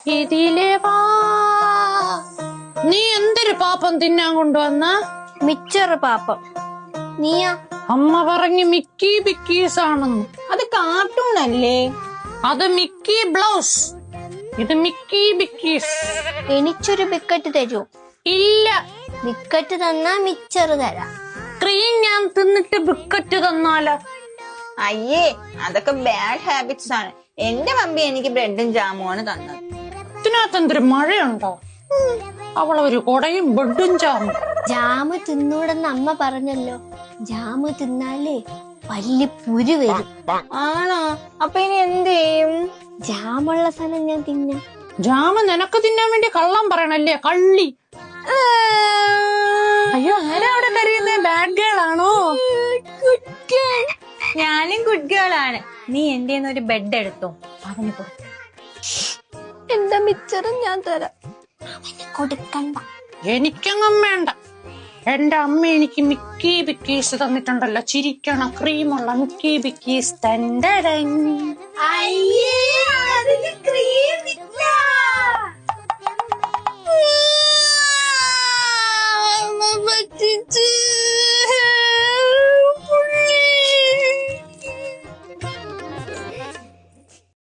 ഇതിലേ വാ. നീ എന്തൊരു പാപ്പം തിന്നാൻ കൊണ്ടുവന്ന? മിച്ചറ് പാപ്പം. നീയാ? അമ്മ പറഞ്ഞു മിക്കി ബിക്കീസ് ആണെന്ന്. അത് കാർട്ടൂൺ അല്ലേ? അത് മിക്കി ബ്ലൗസ്, ഇത് മിക്കി ബിക്കീസ്. എനിക്കൊരു ബിക്കറ്റ് തരൂ? ഇല്ല. ബിക്കറ്റ് തന്നാ മിച്ചറ് തരാം. ക്രീം ഞാൻ തിന്നിട്ട് ബിക്കറ്റ് തന്നാലോ? അയ്യേ, അതൊക്കെ ബാഡ് ഹാബിറ്റ്സ് ആണ്. എന്റെ മമ്മി എനിക്ക് ബ്രെഡും ജാമുമാണ് തന്നത്. ഇതിനകത്ത് എന്തൊരു മഴയുണ്ടോ? അവളൊരു കൊടയും ബെഡും ജാമും. ജാമ് തിന്നൂടെന്ന് അമ്മ പറഞ്ഞല്ലോ. ജാമ് തിന്നാലേ വലിയ പുരു വരും. ആണോ? അപ്പൊ ഇനി എന്ത് ചെയ്യും? ജാമുള്ള സ്ഥലം ഞാൻ തിന്നാം. ജാമ് നിനക്ക് തിന്നാൻ വേണ്ടി കള്ളം പറയണല്ലേ, കള്ളി. അയ്യോ, ആരാ അവിടെ കരയുന്നേ? ബാഡ് ഗേൾ ആണോ? ഞാനും ഗുഡ് ഗേൾ ആണ്. നീ എന്റെ ഒരു ബെഡ് എടുത്തോ, അവന് കൊടുത്തു. എന്റെ മിച്ചറും ഞാൻ തരാം. അവന് കൊടുക്കണ്ട. എനിക്കങ്ങും വേണ്ട. എന്റെ അമ്മ എനിക്ക് മിക്കി ബിക്കീസ് തന്നിട്ടുണ്ടല്ലോ, ചിരിക്കണ ക്രീമുള്ള മിക്കി ബിക്കീസ്. ക്രീം